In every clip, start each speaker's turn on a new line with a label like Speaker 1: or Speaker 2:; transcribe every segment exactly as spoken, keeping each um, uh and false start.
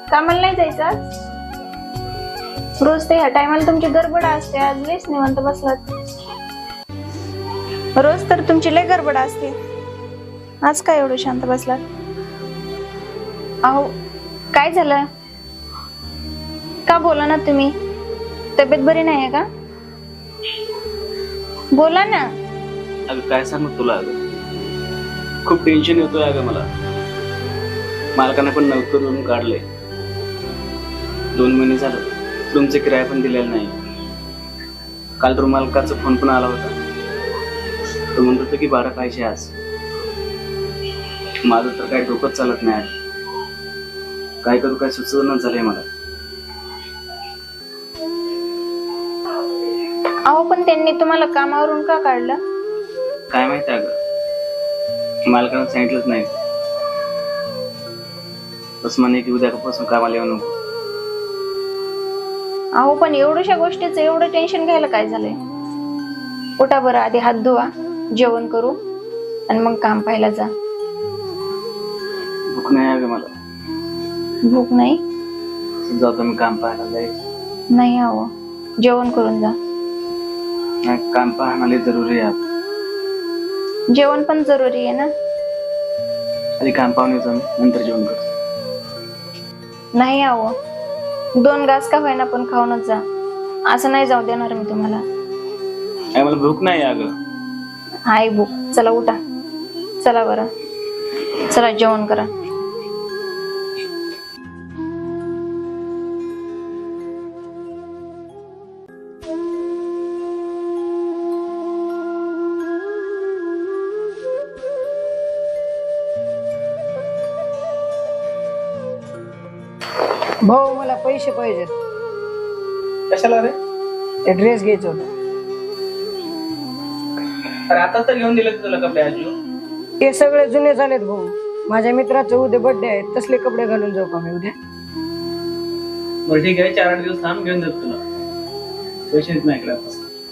Speaker 1: कामाला नाही जायचं आज? रोज ते ह्या टायमाला तुमची गडबड असते, आज लयच निवांत बसलात. रोज तर तुमची लय गडबड असते, आज काय एवढं शांत बसलात? अहो काय झालं? का बोला ना तुम्ही? तब्येत बरी नाही का? बोला ना.
Speaker 2: अगं काय सांगू तुला, अगं खूप टेन्शन येतोय अगं मला. मालकाने पण नोकरीवरून काढले, दोन महिने झालं रूमचे किराया पण दिलेला नाही. काल रूम मालकाचा फोन पण आला होता, तो म्हणत होता की भाडं पाहिजे आज. माझं तर काही डोकंच चालत नाही आज. काय करू काय सुचवणं झालंय मला.
Speaker 1: अहो पण त्यांनी तुम्हाला कामावरून का काढलं?
Speaker 2: काय माहिती अगं, मालकानं सांगितलंच नाही. बस म्हणे की उद्यापासून कामाला येऊ नको.
Speaker 1: अहो पण एवढ्याशा गोष्टीचं एवढं टेन्शन घ्यायला काय झालंय? उठा बरं, आधी हात धुवा, जेवण करू आणि मग काम पाहायला जा.
Speaker 2: भूक नाही अगं मला.
Speaker 1: भूक नाही?
Speaker 2: जातो मी काम पाहायला जाईल.
Speaker 1: नाही अहो, जेवण करून जा.
Speaker 2: नाही, काम पाहणं जरुरी आहे.
Speaker 1: जेवण पण जरुरी आहे ना.
Speaker 2: आधी काम पाहून येतो मी, नंतर जेवण करतो.
Speaker 1: नाही अहो, दोन घास का होईना पण खाऊनच जा. असं नाही जाऊ देणार मी तुम्हाला.
Speaker 2: काय मला भूक नाही अगं.
Speaker 1: हाय भूक. चला उठा, चला बरं, चला जेवण करा.
Speaker 3: भाऊ मला पैसे पाहिजेत.
Speaker 2: कशाला रे?
Speaker 3: ते ड्रेस घ्यायचं होतं.
Speaker 2: अरे आता तर घेऊन दिले तुला कपडे आजू.
Speaker 3: ते सगळे जुने झालेत भाऊ. माझ्या मित्राचं उद्या बर्थडे आहे, तसले कपडे घालून जाऊ का मी उद्या?
Speaker 2: बरं ठीक आहे, चार आठ दिवस थांब, घेऊन देतो तुला. पैसे देत नाही इकडे.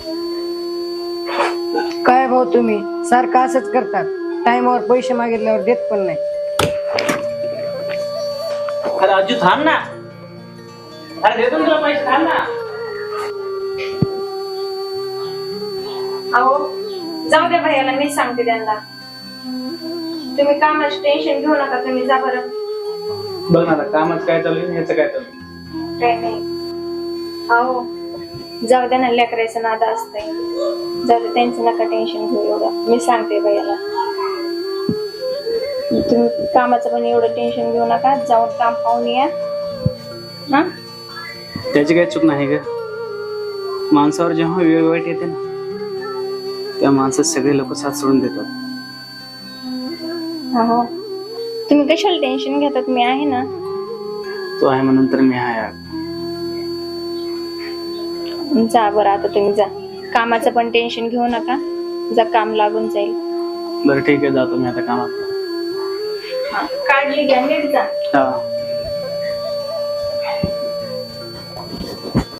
Speaker 3: काय भाऊ तुम्ही सारखं असंच करतात, टाइमवर पैसे मागितल्यावर देत पण नाही.
Speaker 2: अरे आजू थांब ना. अरे देतो ना तुला पैसे, थांब ना.
Speaker 1: अहो जाऊ द्या भैयाला, मी सांगते त्यांना. तुम्ही कामाचं टेन्शन घेऊ नका, तुम्ही जा बरं.
Speaker 2: बघ ना कामच काय चालू आहे, ह्याचं काय चालू आहे?
Speaker 1: काय नाही. अहो जाऊ द्या ना, लेकरायचं नाद असतंय. जाऊ दे, त्यांचं नका टेन्शन घेऊ एवढं, मी सांगते भैयाला. तुम्ही कामाचं पण एवढं टेन्शन घेऊ नका, जाऊन काम पाहून या. हा,
Speaker 2: त्याची काही चूक नाही ग. माणसावर जेव्हा वेळ वाईट येते ना, त्या माणसात सगळे लोक साथ सोडून देतात.
Speaker 1: हो, तुम्ही कशाला टेन्शन घेतात, मी आहे ना.
Speaker 2: तो आहे म्हणून तर मी आहे.
Speaker 1: जा बरं, आता तुम्ही जा. कामाचं पण टेन्शन घेऊ नका, जा, काम लागून जाईल.
Speaker 2: बरं ठीक आहे, जातो मी आता कामात.
Speaker 1: काळजी घ्या, नीट जा.
Speaker 2: हा.